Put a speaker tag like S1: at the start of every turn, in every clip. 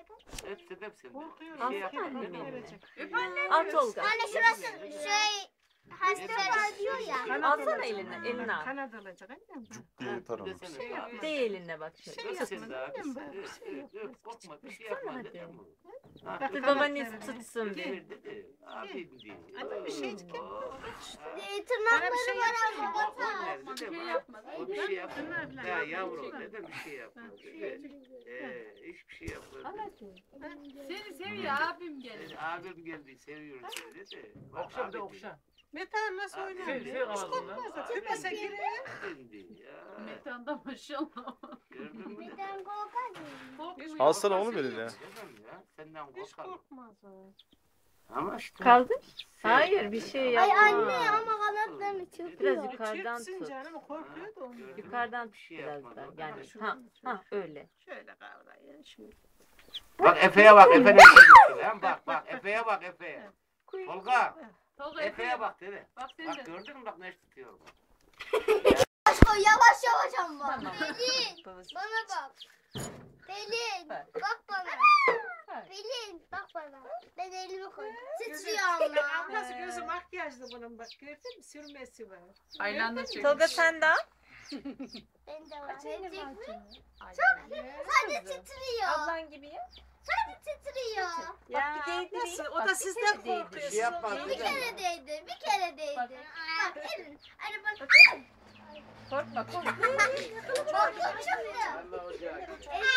S1: Hepsi de sende.
S2: Korkuyorum.
S1: Şey yapma.
S2: Öp anne.
S3: Al Tolga.
S4: Anne şurası hasta diyor ya.
S3: Alsana eline al.
S2: Kanat alacak annem.
S5: Cuk diye taramış.
S3: Değ eline bak şöyle.
S2: Şey yapmasın
S1: daha.
S2: annem bak. Bir şey yok.
S1: Korkma bir şey yapma
S3: Hadi.
S1: dedim.
S3: Dur babaannesi tutsun bir.
S1: Abim diye.
S2: Anne bir şey çıkıyor.
S4: Tırnakları
S2: bir şey
S4: var
S2: yapsana.
S4: ama batar.
S1: O bir şey yapma. Ya yavrum dedim bir şey yapma. Hiçbir şey yapma.
S6: Seni seviyor abim gelir.
S1: Abim geldi seviyorum seni dedi.
S7: Okşa bir de okşa.
S2: Metan nasıl oynuyor?
S7: Şey
S2: Hiç korkmaz. Tüpese girer.
S6: Metan da maşallah.
S1: Gördün mü?
S4: Neden korkar?
S5: Alsana onu verin ya.
S1: Senden
S2: Hiç
S1: korkarım.
S2: korkmaz o.
S1: Ama işte.
S3: Kaldır. Hayır bir şey
S4: Ay
S3: yapma.
S4: anne ama kanatlarını çıkıyor.
S3: Biraz yukarıdan
S2: Çırpsın
S3: tut.
S2: canım korkuyor da onu.
S3: Yukarıdan
S1: Bir şey
S3: tut biraz
S1: yapma,
S3: da. Yani
S2: Şuradan,
S3: ha öyle.
S2: Şöyle kavrayın. Şöyle.
S1: Bak Efe'ye bak Efe ne yapıyor? Bak Efe'ye bak Efe'ye. Tolga
S6: Tolga
S1: Efe'ye bak dedi.
S6: Bak sen
S1: Bak
S6: de.
S1: gördün mü bak ne tutuyorum.
S4: Yavaş yavaş ama.
S3: Tamam.
S4: Pelin
S3: Babası.
S4: bana bak. Pelin
S3: Bak.
S4: bak bana.
S3: Bak.
S4: Pelin bak bana. Ben elimi koydum. Titriyor ama.
S2: Ablası gözü makyajlı bunun bak gördün mü? Sürmesi var.
S6: Aylan'da çekmiş.
S3: Tolga sen de al.
S4: Ben de var. Çekecek mi?
S2: Çok
S4: Sadece titriyor.
S3: Ablan gibi ya.
S4: Sadece titriyor.
S3: Ya bir
S2: Nasıl? O
S3: Bak,
S2: da
S3: bir
S2: sizden
S3: kere değdir.
S2: korkuyor.
S1: Bir
S2: Siz
S1: yapma,
S2: onu-
S4: Bir kere değdi. Bir kere değdi.
S3: Bak.
S4: Bak elin. Anne bak.
S3: Korkma korkma.
S4: Korkuyorum şimdi.
S1: Allah ocak.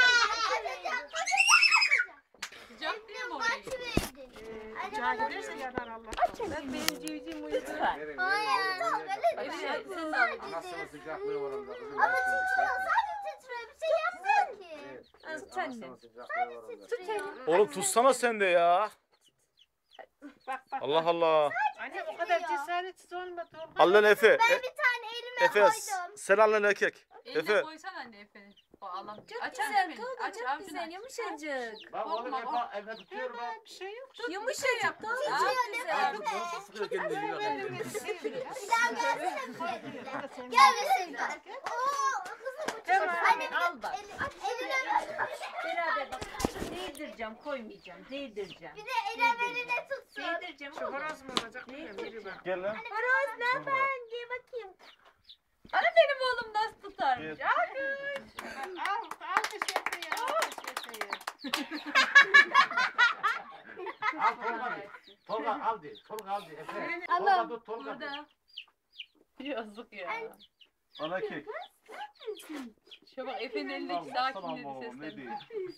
S6: Sıcak değil mi
S4: Bak
S6: oraya?
S4: şuraydı. Anne
S2: Uçağa
S4: bana
S2: giderse yanar Allah.
S3: Bak benim civcivim uyudu.
S1: Verin,
S4: Hayır.
S1: verin, verin.
S3: Evet,
S4: Sadece
S3: siz
S4: sadece
S1: Anasının sıcaklığı var orada. Kızım,
S4: Ama
S1: anasının
S4: titriyor.
S1: sıcaklığı.
S4: Sadece titriyor. Bir şey yapmıyor ki.
S1: Evet,
S3: Az
S1: evet,
S3: sen
S1: anasının
S3: de.
S1: sıcaklığı var orada.
S4: Titriyor.
S5: Oğlum tutsana sen de ya.
S2: Bak bak.
S5: Allah Allah.
S2: Anne o kadar cesaretsiz olma Tolga.
S5: Al lan Efe.
S4: Ben bir tane elime
S5: Efe
S4: koydum.
S5: sen al lan erkek.
S6: Eline
S5: Efe.
S6: koysan anne Efe'nin. O Allah.
S3: Çok
S6: Aç
S3: güzel
S6: anne.
S3: Tolga
S6: Aç
S3: çok
S6: avcunu
S3: güzel
S6: aç.
S3: yumuşacık.
S1: Bak oğlum
S6: Korkma,
S1: Efe tutuyor bak.
S2: Bir şey yok.
S3: Yumuşacık Tolga
S4: Titriyor
S3: çok
S4: değil
S3: güzel.
S4: mi?
S7: Nasıl sıkıyor kendini bak.
S4: Bir daha gelsene bir kere. Gel bir sevgilim. Oo kızım bu çok. Anne
S3: Al bak.
S4: eline
S3: Beraber bak. Değdireceğim koymayacağım. Değdireceğim.
S4: bir de eline tutsun.
S3: Değdireceğim
S2: Şu
S3: oğlum.
S2: horoz mu olacak? Biri bak.
S5: Gel lan.
S3: Horoz ne yapayım? Gel bakayım. Ana benim oğlum nasıl tutarmış?
S5: Gel.
S2: Al bir şey yapıyor. Al bir şey yapıyor.
S1: Al Tolga de. Tolga al de. Tolga al de. Efe.
S4: Alın.
S1: Tolga dur Tolga de.
S6: Burada. Yazık ya.
S5: Ana kek.
S6: Şu bak Efe'nin elindeki sakinleri sesleniyor.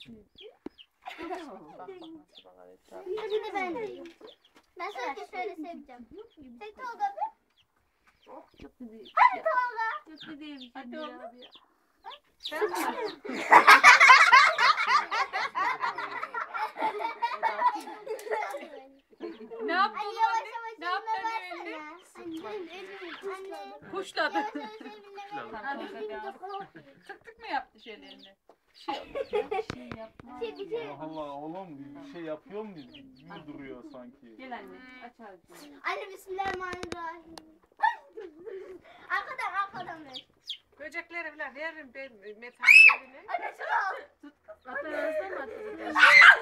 S4: Bir de ben deyim. Ben sadece şöyle seveceğim. Tek Tolga bir. Hadi Tolga.
S6: Çok değil.
S3: Hadi oğlum.
S6: Ne yaptın
S4: Ay
S6: oğlum
S4: yavaş
S6: anne?
S4: yavaş
S6: Ne yaptın
S4: elime
S6: anne
S4: versene. Anne.
S6: Kuşladı.
S4: Yavaş yavaş elime versene.
S6: Tık tık mı yaptı şeylerini? Bir şey yapma.
S4: Bir şey.
S5: Allah Allah oğlum bir şey yapıyor mu gibi duruyor sanki.
S3: Gel anne aç ağzını.
S4: Anne bismillahirrahmanirrahim. Arkadan ver.
S2: Böcekleri bile veririm ben metanlarını.
S4: Anne şunu al.
S3: Aferin ağzına mı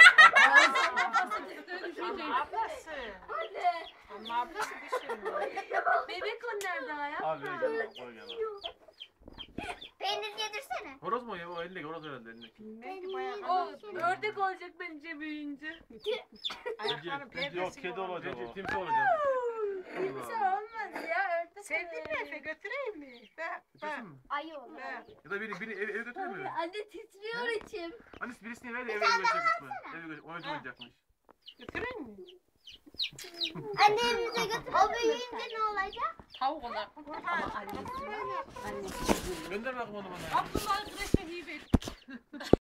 S2: Ama ablası.
S4: Anne.
S2: Ama ablası düşünmüyor.
S3: Bebek o nerede hayat?
S5: Al ver gel bak koy gel.
S4: Peynir yedirsene.
S7: Horoz mu ya? O elindeki horoz herhalde elindeki.
S2: Bilmem ki bayağı.
S3: O ördek olacak bence büyüyünce.
S2: Ayaklarım
S5: Bence yok kedi olacak
S7: Bence
S5: o.
S7: timsah olacak.
S3: Kimse olmaz ya ördek.
S2: Sevdin mi Efe götüreyim mi? Bak bak.
S7: Kesin mi?
S4: Ayı olur.
S2: bak.
S7: Ya da biri eve götürür mü?
S4: Anne titriyor içim.
S7: Annesi birisini ver de eve götürecekmiş mi? Eve oynayacakmış.
S2: Götüreyim mi?
S4: Anne elimize götür. O büyüyünce ne olacak?
S6: Tavuk olacak.
S3: Ama annesi.
S7: Gönder bakalım onu bana.
S6: Abdullah'ın kreşe hibe.